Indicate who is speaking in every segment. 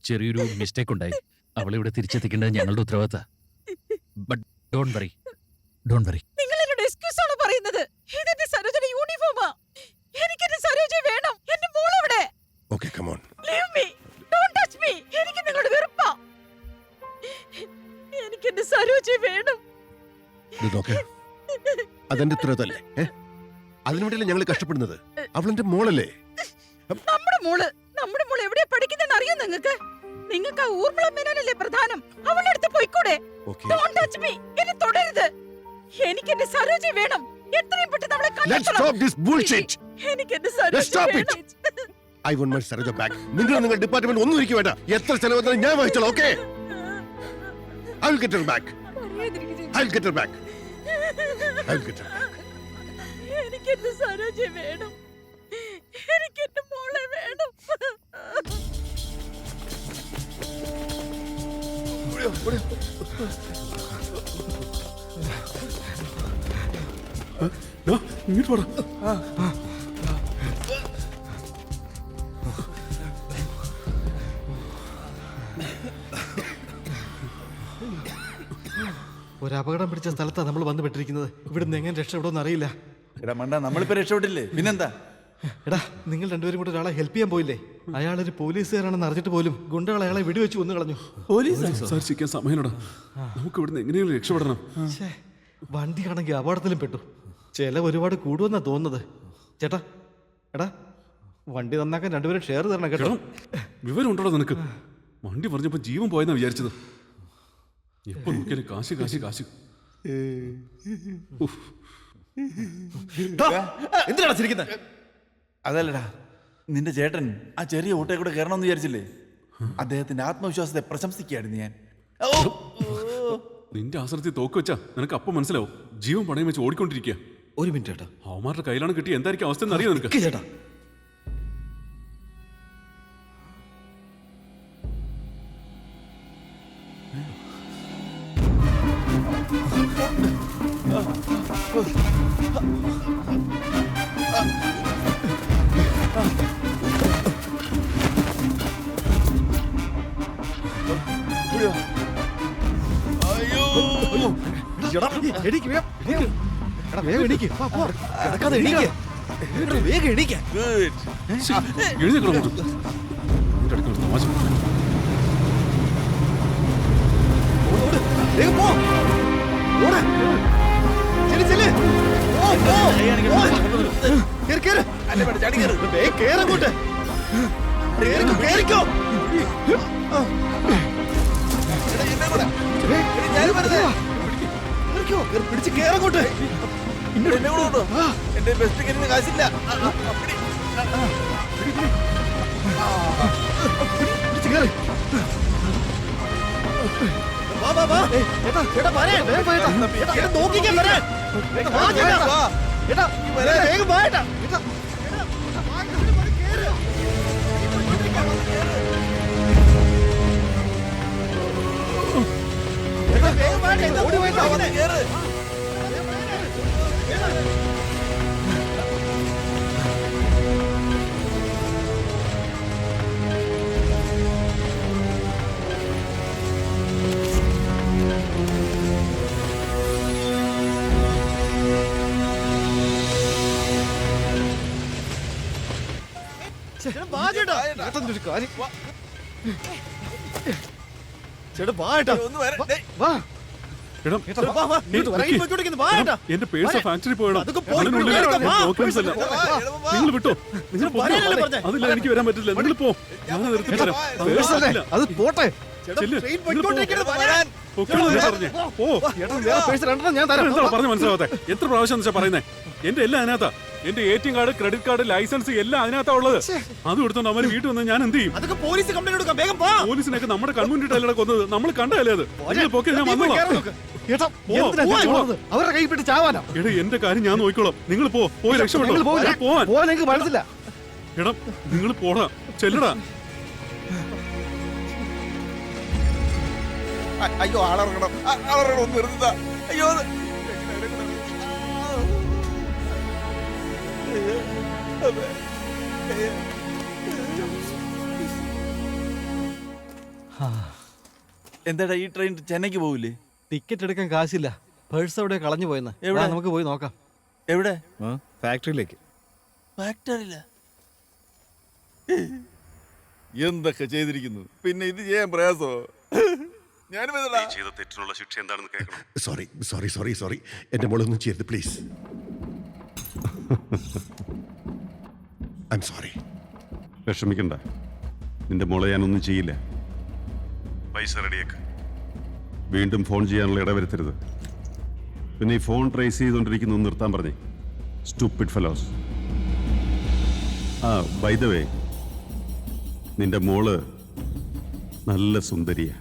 Speaker 1: ചെറിയൊരു മിസ്റ്റേക്ക് ഉണ്ടായി. അവളെ ഇവിടെ തിരിച്ചെത്തിക്കേണ്ടത് ഞങ്ങളുടെ ഉത്തരവാദിത്ത. But don't worry, don't worry.
Speaker 2: നിങ്ങൾ എന്നോട് എക്സ്ക്യൂസ് ആണ് പറയുന്നത്. ഇതെന്റെ സരോജയുടെ യൂണിഫോമാ. എനിക്ക് എന്റെ സരോജ വേണം. എന്റെ മോൾ എവിടെ?
Speaker 3: Okay, come on.
Speaker 2: Leave me. Don't touch me. എനിക്ക് നിങ്ങളോട് വെറുപ്പാ. എനിക്ക് എന്റെ സരോജ വേണം.
Speaker 3: ഇത് നോക്ക്, അതെന്റെ ഉത്തരവാദിത്തല്ലേ? അതിനുവേണ്ടിയല്ലേ ഞങ്ങൾ കഷ്ടപ്പെടുന്നത്? അവളെന്റെ മോളല്ലേ?
Speaker 2: നമ്മുടെ മോള് എവിടെയാ പഠിക്കുന്നതെന്ന് അറിയോ നിങ്ങൾക്ക്? നിങ്ങൾക്ക് ആ ഊർമിള മേനോനല്ലേ പ്രധാനം? അവളുടെ അടുത്ത് പോയിക്കൂടെ? Don't touch me. എന്നെ തൊടരുത്. എനിക്ക് എന്റെ സരോജ വേണം. എത്രയും പെട്ടെന്ന് അവളെ കണ്ടെത്തണം.
Speaker 3: Let's stop this bullshit.
Speaker 2: എനിക്ക് എന്റെ സരോജ വേണം.
Speaker 3: I want my Saroja back. നിങ്ങൾ ഡിപ്പാർട്ട്മെന്റ് ഒന്നും ഇരിക്കും വേണ്ട. എത്ര ചെലവ് വന്നാലും ഞാൻ വഹിച്ചോളാം. Okay? I'll get her back. I'll get her back. I'll get her back.
Speaker 2: എനിക്ക് എന്റെ സരോജ വേണം. എനിക്ക് എന്റെ മോളെ വേണം.
Speaker 4: ഇങ്ങോട്ട് പോടാ.
Speaker 5: ഒരു അപകടം പിടിച്ച സ്ഥലത്താണ് നമ്മൾ വന്നു പെട്ടിരിക്കുന്നത്. ഇവിടുന്ന് എങ്ങനെ രക്ഷപ്പെടുമെന്ന് അറിയില്ല.
Speaker 6: എടാ മണ്ട, നമ്മളിപ്പോ രക്ഷപ്പെട്ടില്ലേ, പിന്നെന്താ?
Speaker 5: എടാ, നിങ്ങൾ രണ്ടുപേരും കൂടെ ഒരാളെ ഹെൽപ്പ് ചെയ്യാൻ പോയില്ലേ? അയാളൊരു പോലീസുകാരാണെന്ന് അറിഞ്ഞിട്ട് പോലും ഗുണ്ടകൾ അയാളെ വെടിവെച്ച് കൊന്നു കളഞ്ഞു.
Speaker 4: സംസാരിച്ചിരിക്കാൻ സമയനടാ, നമുക്ക് ഇവിടുന്ന് എങ്ങനെയെങ്കിലും രക്ഷപ്പെടണം.
Speaker 5: വണ്ടിയാണെങ്കിൽ അപകടത്തിലും പെട്ടു. ചെലവ് ഒരുപാട് കൂടുമെന്നാ തോന്നുന്നത്. ചേട്ടാ, എടാ, വണ്ടി നന്നാക്കാൻ രണ്ടുപേരും ഷെയർ തരണം കേട്ടോ.
Speaker 4: വിവരം ഉണ്ടോ നിനക്ക്? വണ്ടി പറഞ്ഞപ്പോ ജീവൻ പോയെന്നാ വിചാരിച്ചത്. എപ്പോ നോക്കിയാലും കാശ് കാശ് കാശ്.
Speaker 5: എന്തിനാണ് ചിരിക്കുന്നത്?
Speaker 6: അതല്ലടാ, നിന്റെ ചേട്ടൻ ആ ചെറിയ ഓട്ടയെ കൂടെ കയറണമെന്ന് വിചാരിച്ചില്ലേ? അദ്ദേഹത്തിന്റെ ആത്മവിശ്വാസത്തെ പ്രശംസിക്കുകയായിരുന്നു ഞാൻ.
Speaker 4: നിന്റെ ആശ്രയത്തിൽ തോക്ക് വെച്ചാ നിനക്ക് അപ്പം മനസ്സിലാവും. ജീവൻ പണയം വെച്ച് ഓടിക്കൊണ്ടിരിക്കുക.
Speaker 5: ഒരു മിനിറ്റ് ചേട്ടാ,
Speaker 4: അവന്മാരുടെ കയ്യിലാണ് കിട്ടിയ എന്തായിരിക്കും അവസ്ഥ എന്ന് അറിയാം നിനക്ക്?
Speaker 5: ചേട്ടാ,
Speaker 6: പിടിച്ച് കേറങ്ങോട്ട്. എന്റെ ബെസ്റ്റ് കരിന് കാശില്ല.
Speaker 4: എന്റെ പേഴ്സ് ഫാക്ടറി പോയണം. നിങ്ങൾ വിട്ടോ, അതില്ല, എനിക്ക് വരാൻ പറ്റില്ല. നിങ്ങൾ പോ, ഞാൻ നിർത്തി തരാം.
Speaker 5: അത് പോട്ടെ.
Speaker 4: പറഞ്ഞു മനസ്സിലാവാത്തെ? എത്ര പ്രാവശ്യം വെച്ചാ പറയുന്നേ? എന്റെ എല്ലാം അതിനകത്താ. എന്റെ ATM card, credit card, licence എല്ലാം അതിനകത്താ ഉള്ളത്. അത് എടുത്തോണ്ട് അവര് വീട്ടിൽ വന്ന് ഞാൻ എന്ത് ചെയ്യും? പോലീസിനൊക്കെ നമ്മുടെ കൺമുന്നിട്ടല്ല കൊന്നത്. നമ്മൾ കണ്ടല്ലേ അത്? പോക്കെ ഞാൻ വന്നോളാം.
Speaker 5: അവരുടെ കൈ പെട്ട് ചാവാനോ?
Speaker 4: എടാ, എന്റെ കാര്യം ഞാൻ നോക്കിക്കോളാം. നിങ്ങൾ പോയി രക്ഷപ്പെട്ടോ. പോവാൻ
Speaker 5: മനസ്സില്ല.
Speaker 4: എടാ, നിങ്ങൾ പോടാ, ചെല്ലടാ.
Speaker 6: അയ്യോ, ആളിറങ്ങണം, ഒന്ന് നിർത്തുക. അയ്യോ, എന്താടാ ഈ ട്രെയിൻ ചെന്നൈക്ക് പോവില്ലേ?
Speaker 5: ടിക്കറ്റ് എടുക്കാൻ കാശില്ല. പേഴ്സ് എവിടെ കളഞ്ഞു പോയെന്ന്.
Speaker 6: എവിടെ?
Speaker 5: നമുക്ക് പോയി നോക്കാം.
Speaker 6: എവിടെ?
Speaker 5: ഫാക്ടറിയിലേക്ക്.
Speaker 6: ഫാക്ടറിയില്ല. എന്തൊക്കെ ചെയ്തിരിക്കുന്നു, പിന്നെ ഇത് ചെയ്യാൻ പ്രയാസോ? ഞാനും
Speaker 7: ചെയ്ത തെറ്റിനുള്ള ശിക്ഷ എന്താണെന്ന് കേൾക്കണം.
Speaker 3: സോറി സോറി സോറി സോറി, എന്റെ മോളൊന്നും ചെയ്യരുത് പ്ലീസ്. I am sorry.
Speaker 7: വിഷമിക്കണ്ട, നിന്റെ മോളെ ഞാനൊന്നും ചെയ്യില്ല. പൈസ റെഡിയാക്ക്. വീണ്ടും ഫോൺ ചെയ്യാനുള്ള ഇടവരുത്തരുത്. പിന്നെ ഈ ഫോൺ ട്രേസ് ചെയ്തുകൊണ്ടിരിക്കുന്നത് നിർത്താൻ പറഞ്ഞേ. Stupid fellows. By the way, നിന്റെ മോള് നല്ല സുന്ദരിയാ.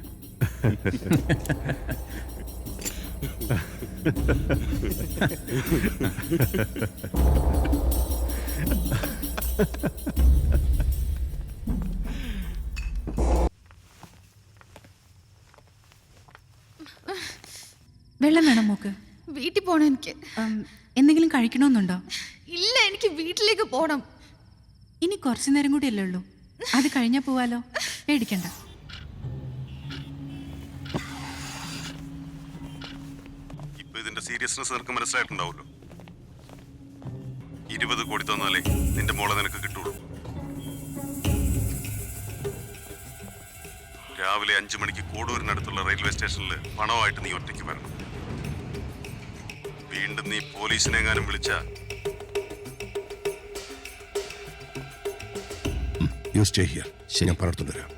Speaker 8: വെള്ളം വേണം മോക്ക്?
Speaker 9: വീട്ടിൽ പോണം എനിക്ക്.
Speaker 8: എന്തെങ്കിലും കഴിക്കണമെന്നുണ്ടോ?
Speaker 9: ഇല്ല, എനിക്ക് വീട്ടിലേക്ക് പോണം.
Speaker 8: ഇനി കുറച്ചു നേരം കൂടി അല്ലേ ഉള്ളൂ, അത് കഴിഞ്ഞാ പോവാലോ. പേടിക്കണ്ട.
Speaker 7: ഇപ്പൊ ഇതിന്റെ സീരിയസ്നെസ് നിനക്ക് മനസ്സിലായിട്ടുണ്ടാവുമല്ലോ. 20 കോടി തന്നാലേ നിന്റെ മോളെ നിനക്ക് കിട്ടുള്ളൂ. രാവിലെ 5 മണിക്ക് കോടൂരിനടുത്തുള്ള റെയിൽവേ സ്റ്റേഷനിൽ പണമായിട്ട് നീ ഒറ്റയ്ക്ക് വരണം. വീണ്ടും നീ പോലീസിനെ എങ്ങാനും വിളിച്ച
Speaker 3: യു സ്റ്റേ ഹിയർ. ഞാൻ പറഞ്ഞിട്ട് വരാം.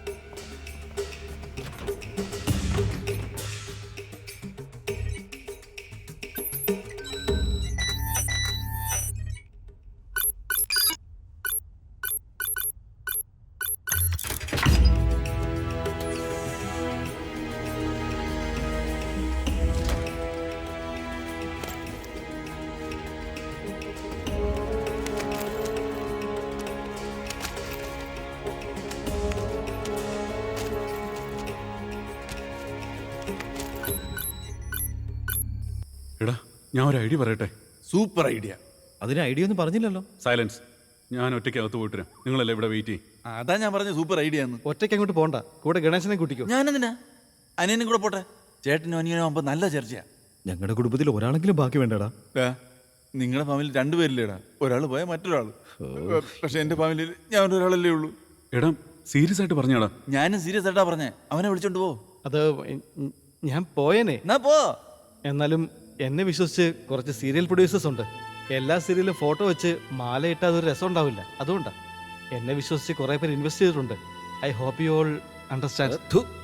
Speaker 4: എടാ, ഞാൻ ഒരു ഐഡിയ പറയട്ടെ.
Speaker 6: Super idea.
Speaker 5: അതിന് ഐഡിയ ഒന്നും പറഞ്ഞില്ലല്ലോ.
Speaker 4: സൈലൻസ്. ഞാൻ ഒറ്റയ്ക്ക് അകത്ത് പോയിട്ട് വരാം. നിങ്ങളല്ലേ ഇവിടെ വെയിറ്റ് ചെയ്യും.
Speaker 6: അതാ ഞാൻ പറഞ്ഞ സൂപ്പർ ഐഡിയ എന്ന്.
Speaker 5: ഒറ്റയ്ക്ക് അങ്ങോട്ട് പോണ്ട, കൂടെ ഗണേശനെ കൂട്ടിക്കോ.
Speaker 6: ഞാനെന്തിനാ? അനിയനും കൂടെ പോട്ടെ. ചേട്ടനും അനിയനും ആകുമ്പോ നല്ല ചർച്ചയാ.
Speaker 5: ഞങ്ങളുടെ കുടുംബത്തിൽ ഒരാളെങ്കിലും ബാക്കി വേണ്ടടാ.
Speaker 6: നിങ്ങളുടെ ഫാമിലി 2 പേരില്ലേടാ. ഒരാൾ പോയാൽ മറ്റൊരാൾ. പക്ഷെ എന്റെ ഫാമിലിയിൽ ഞാൻ ഒരാളല്ലേ ഉള്ളൂ.
Speaker 4: എടാ, സീരിയസ് ആയിട്ട് പറഞ്ഞാടാ.
Speaker 6: ഞാനും സീരിയസ് ആയിട്ടാ പറഞ്ഞേ. അവനെ വിളിച്ചോണ്ട് പോ.
Speaker 5: അത് ഞാൻ പോയേനെ.
Speaker 6: എന്നാ പോ.
Speaker 5: എന്നാലും എന്നെ വിശ്വസിച്ച് കുറച്ച് സീരിയൽ പ്രൊഡ്യൂസേഴ്സ് ഉണ്ട്. എല്ലാ സീരിയലും ഫോട്ടോ വെച്ച് മാലയിട്ട അതൊരു രസം ഉണ്ടാവില്ല. അതുകൊണ്ടാ എന്നെ വിശ്വസിച്ച് കുറെ പേര് ഇൻവെസ്റ്റ് ചെയ്തിട്ടുണ്ട്. I hope you all understand.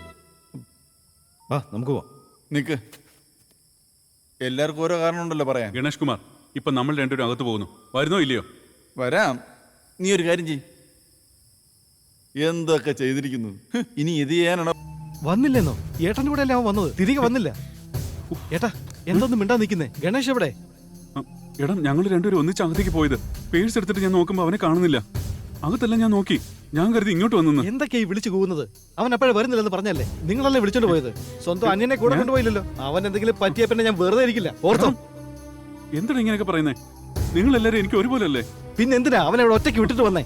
Speaker 5: നമുക്ക് പോവാം.
Speaker 6: നിക്ക്, എല്ലാവർക്കും ഓരോ കാരണം ഉണ്ടല്ലോ പറയാൻ.
Speaker 4: ഗണേഷ് കുമാർ, ഇപ്പൊ നമ്മൾ രണ്ടുപേരും അകത്ത് പോകുന്നു. വരുന്നോ ഇല്ലയോ?
Speaker 6: വരാം. നീ ഒരു കാര്യം ചെയ്. എന്തൊക്കെ ചെയ്തിരിക്കുന്നു. ഇനി ഇത് ചെയ്യാനാണോ?
Speaker 5: വന്നില്ലെന്നോ? ഏട്ടൻ്റെ കൂടെ അല്ലേ അവൻ വന്നത്, തിരികെ വന്നില്ല. ഏട്ടാ, എന്തൊന്നും മിണ്ടാ നിൽക്കുന്നേ? ഗണേഷ് എവിടെ?
Speaker 4: എടാ, ഞങ്ങൾ രണ്ടുപേരും ഒന്നിച്ച് അകത്തേക്ക് പോയത്. പേഴ്സ് എടുത്തിട്ട് ഞാൻ നോക്കുമ്പോ അവനെ കാണുന്നില്ല. അകത്തെല്ലാം ഞാൻ നോക്കി. ഞാൻ കരുതി ഇങ്ങോട്ട് വന്നു.
Speaker 5: എന്തൊക്കെയായി വിളിച്ചു പോകുന്നത്? അവൻ അപ്പോഴേ വരുന്നില്ലെന്ന് പറഞ്ഞല്ലേ? നിങ്ങളല്ലേ വിളിച്ചോണ്ട് പോയത്? സ്വന്തം അന്യനെ കൂടെ കൊണ്ടുപോയില്ലല്ലോ. അവൻ എന്തെങ്കിലും പറ്റിയ പിന്നെ ഞാൻ വെറുതെ ഇരിക്കില്ല. ഓർത്തോ?
Speaker 4: എന്താണ് ഇങ്ങനെയൊക്കെ പറയുന്നേ? നിങ്ങൾ എല്ലാരും എനിക്ക് ഒരുപോലെ അല്ലേ?
Speaker 5: പിന്നെ എന്തിനാ അവനെ അവിടെ ഒറ്റയ്ക്ക് വിട്ടിട്ട് വന്നേ?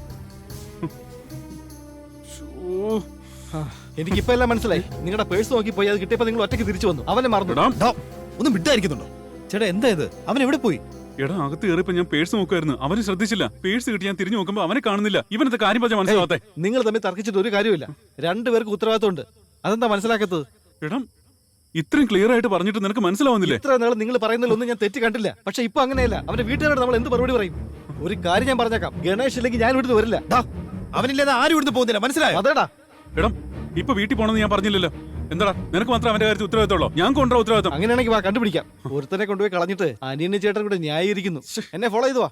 Speaker 5: എനിക്കിപ്പോ എല്ലാം മനസ്സിലായി. നിങ്ങളുടെ പേഴ്സ് നോക്കി പോയി അത് കിട്ടിയപ്പോ നിങ്ങൾ ഒറ്റയ്ക്ക് തിരിച്ചു വന്നു. അവനെ മറന്നു. ഒന്നും വിട്ടായിരിക്കുന്നുണ്ടോ? ചേട്ടാ, എന്താ ഇത്? അവൻ എവിടെ പോയി?
Speaker 4: എടാ, അകത്ത് കയറിയപ്പോ ഞാൻ പേഴ്സ് നോക്കുമായിരുന്നു. അവന് ശ്രദ്ധിച്ചില്ല. പേഴ്സ് കിട്ടി ഞാൻ തിരിഞ്ഞു നോക്കുമ്പോ അവനെ കാണുന്നില്ല. ഇവനത്തെ കാര്യം പറഞ്ഞാൽ മനസ്സിലാവാത്തെ?
Speaker 5: നിങ്ങൾ തമ്മിൽ തർക്കിച്ചിട്ട് ഒരു കാര്യമില്ല. 2 പേർക്ക് ഉത്തരവാദിത്തമുണ്ട്. അതെന്താ മനസ്സിലാക്കത്തത്?
Speaker 4: എടാ, ഇത്രയും ക്ലിയർ ആയിട്ട് പറഞ്ഞിട്ട് നിനക്ക് മനസ്സിലാവുന്നില്ലേ?
Speaker 5: ഇത്ര നാൾ നിങ്ങൾ പറയുന്നതിലൊന്നും ഞാൻ തെറ്റ് കണ്ടില്ല. പക്ഷെ ഇപ്പൊ അങ്ങനെയല്ല. അവന്റെ വീട്ടുകാരോട് നമ്മൾ എന്ത് മറുപടി പറയും? ഒരു കാര്യം ഞാൻ പറഞ്ഞേക്കാം, ഗണേഷ് ഇല്ലെങ്കിൽ ഞാൻ ഇവിടുന്ന് വരില്ല.
Speaker 6: അവനില്ലാതെ ആരും ഇവിടുന്ന് പോകുന്നില്ല, മനസ്സിലായോ?
Speaker 5: അതേടാ.
Speaker 4: എടാ, ഇപ്പൊ വീട്ടിൽ പോണെന്ന് ഞാൻ പറഞ്ഞില്ലല്ലോ. എന്താടാ, നിനക്ക് മാത്രം അവന്റെ കാര്യത്തിൽ ഉത്തരവാദിത്തമുള്ളൂ? ഞാൻ കൊണ്ടുവരാ ഉത്തരവാദിത്തം.
Speaker 5: അങ്ങനെയാണെങ്കിൽ വാ, കണ്ടുപിടിക്കാം. ഒരുത്തനെ കൊണ്ടുപോയി കളഞ്ഞിട്ട് അനിയനും ചേട്ടൻ കൂടെ ന്യായീകരിക്കുന്നു. എന്നെ ഫോളോ ചെയ്തു വാ.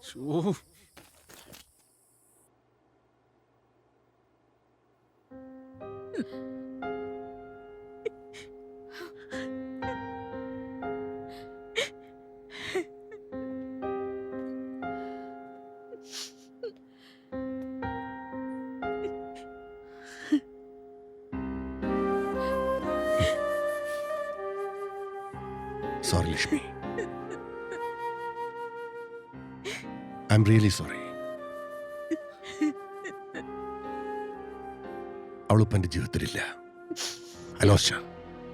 Speaker 3: Sorry, Lakshmi. I'm really sorry. അവളിപ്പോ എന്റെ ജീവിതത്തിലില്ല. I lost her.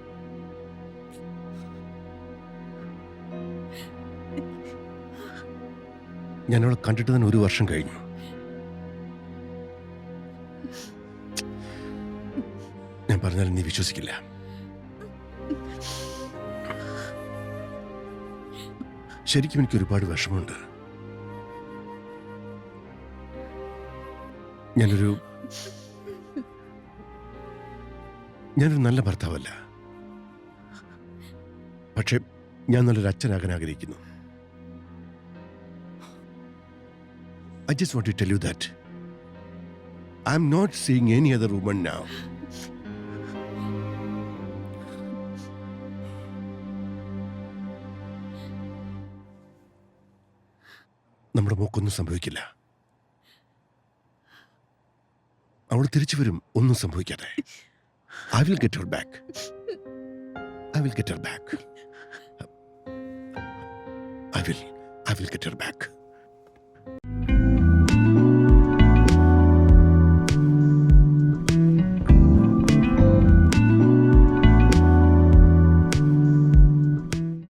Speaker 3: ഞാൻ അവളെ കണ്ടിട്ട് തന്നെ 1 വർഷം കഴിഞ്ഞു. ഞാൻ പറഞ്ഞാൽ നീ വിശ്വസിക്കില്ല. ശരിക്കും എനിക്ക് ഒരുപാട് വിഷമമുണ്ട്. ഞാനൊരു നല്ല ഭർത്താവല്ല, പക്ഷെ ഞാൻ നല്ലൊരു അച്ഛനാകാൻ ആഗ്രഹിക്കുന്നു. I just want to tell you that I'm not seeing any other woman now. നമ്മുടെ മോക്കൊന്നും സംഭവിക്കില്ല. അവൾ തിരിച്ചു വരും, ഒന്നും സംഭവിക്കാതെ. I will get her back. I will get her back. I will get her back.